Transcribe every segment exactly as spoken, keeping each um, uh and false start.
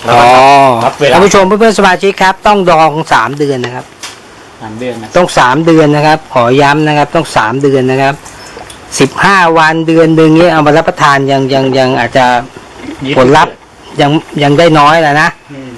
แล้วก็รับเวลาท่านผู้ชมเพื่อนๆสมาชิกครับต้องดองสามเดือนนะครับสามเดือนนะต้องสามเดือนนะครับขอย้ำนะครับต้องสามเดือนนะครับสิบห้าวันเดือนหนึ่งนี้เอามารับประทานยังยังยังอาจจะผลลัพธ์ยังยังได้น้อยแหละนะ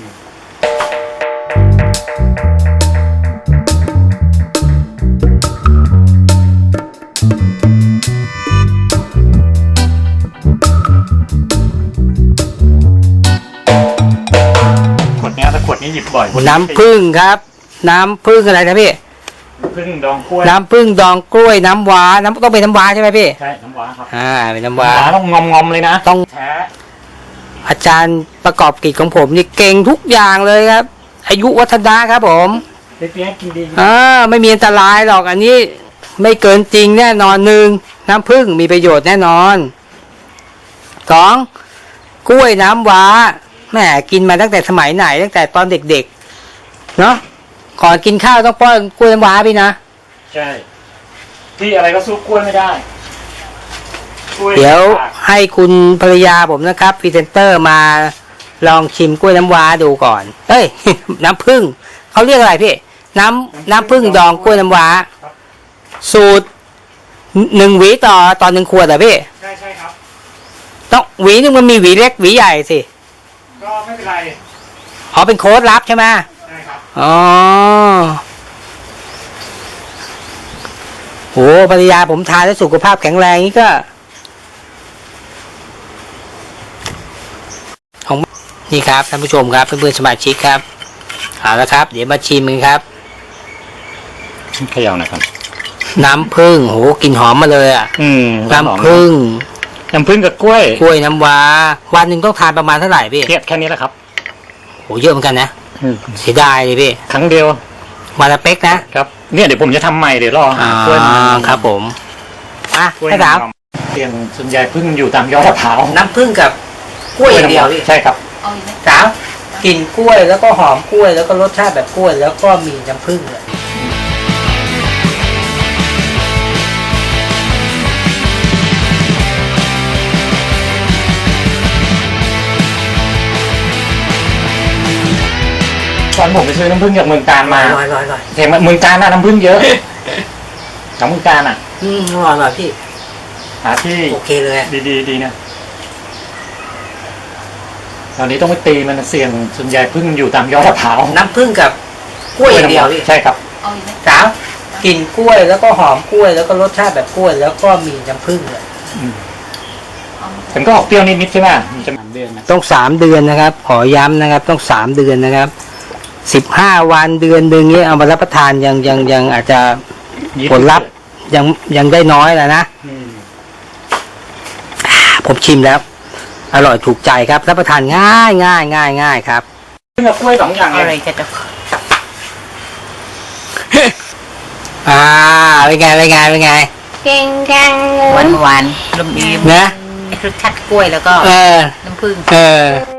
ขวดเนี้ยถ้าขวดนี้หยิบบ่อยน้ำผึ้งครับน้ำผึ้งอะไรนะพี่ผึ้งดองกล้วยน้ำผึ้งดองกล้วยน้ำว้าน้ำต้องเป็นน้ำว้าใช่ไหมพี่ใช่น้ำว้าครับอ่าเป็นน้ำว้าน้ำว้าต้องงอมงอมๆเลยนะต้องแท้อาจารย์ประกอบกิจของผมนี่เก่งทุกอย่างเลยครับ อายุวัฒนะครับผมเปี๊ยกกินดีอ่าไม่มีอันตรายหรอกอันนี้ไม่เกินจริงแน่นอนหนึ่งน้ำผึ้งมีประโยชน์แน่นอนสองกล้วยน้ำว้าแหมกินมาตั้งแต่สมัยไหนตั้งแต่ตอนเด็กๆเนาะก่อนกินข้าวต้องป้อนกล้วยน้ำว้าพี่นะใช่ที่อะไรก็สู้กล้วยไม่ได้กล้เดี๋ยวให้คุณภรรยาผมนะครับพรีเซนเตอร์มาลองชิมกล้วยน้ำว้าดูก่อนเอ้ย น้ำผึ้งเขาเรียกอะไรพี่น้ำน้ำผึ้งดองกล้วยน้ำว้าสูตรหนึ่งหวีต่อต่อหนึ่งขวดเหรอพี่ใช่ใช่ครับต้องหวีนึงมันมีหวีเล็กหวีใหญ่สิก็ไม่เป็นไรอ๋อเป็นโค้ดลับใช่ไหมใช่ครับอ๋อโหภรรยาผมทานแล้วสุขภาพแข็งแรงนี่ก็ของนี่ครับท่านผู้ชมครับเพื่อนๆสมาชิกครับเอาละครับ เดี๋ยวมาชิมกันครับเขย่าหน่อยครับน้ำผึ้งโหกลิ่นหอมมาเลยอ่ะอืมน้ำผึ้งน้ำผึ้งกับกล้วยกล้วยน้ำว้าวันหนึ่งต้องทานประมาณเท่าไหร่พี่เทียบแค่นี้แหละครับโหเยอะเหมือนกันนะเสียดายเลยพี่ครั้งเดียววันละเป๊กนะครับเนี่ยเดี๋ยวผมจะทำใหม่เดี๋ยวรอหาอ่ากล้วยมาครับผมอ่ะกล้วยให้ถามเตียงส่วนใหญ่พึ่งอยู่ตามยอดมะพร้าวน้ำผึ้งกับกล้วยอย่างเดียวพี่ใช่ครับสามกลิ่นกล้วยแล้วก็หอมกล้วยแล้วก็รสชาติแบบกล้วยแล้วก็มีน้ำผึ้งเลยตอนผมไปซื้อน้ำผึ้งจากเมืองการมาอร่อยอร่อยอร่อยเห็นไหมเมืองการน่ะน้ำผึ้งเยอะจากเมืองการอ่ะอืมอร่อยอร่อยพี่หาที่โอเคเลยอะดีดีดีนะตอนนี้ต้องไปตีมันเสี่ยงส่วนใหญ่พึ่งอยู่ตามยอดมะพร้าวน้ำผึ้งกับกล้วยอย่างเดียวพี่ใช่ครับสามกลิ่นกล้วยแล้วก็หอมกล้วยแล้วก็รสชาติแบบกล้วยแล้วก็มีน้ำผึ้งเลยมันก็ออกเปรี้ยวนิดๆใช่ไหมมันจะเดือนนะต้องสามเดือนนะครับ ขอย้ำนะครับ ต้องสามเดือนนะครับสิบห้าวันเดือนหนึ่งนี้เอามารับประทานยังยังยังอาจจะผลลัพธ์ยังยังได้น้อยแหละนะอืมผมชิมแล้ว อร่อยถูกใจครับรับประทานง่ายง่ายง่ายง่ายครับพึ่งกับกล้วยสองอย่างอะไรเลยจะจะอ่าเป็นไงเป็นไงเป็นไงเก่งจังหวานหวานลมดีนะรสชาติกล้วยแล้วก็เออน้ำผึ้งเออ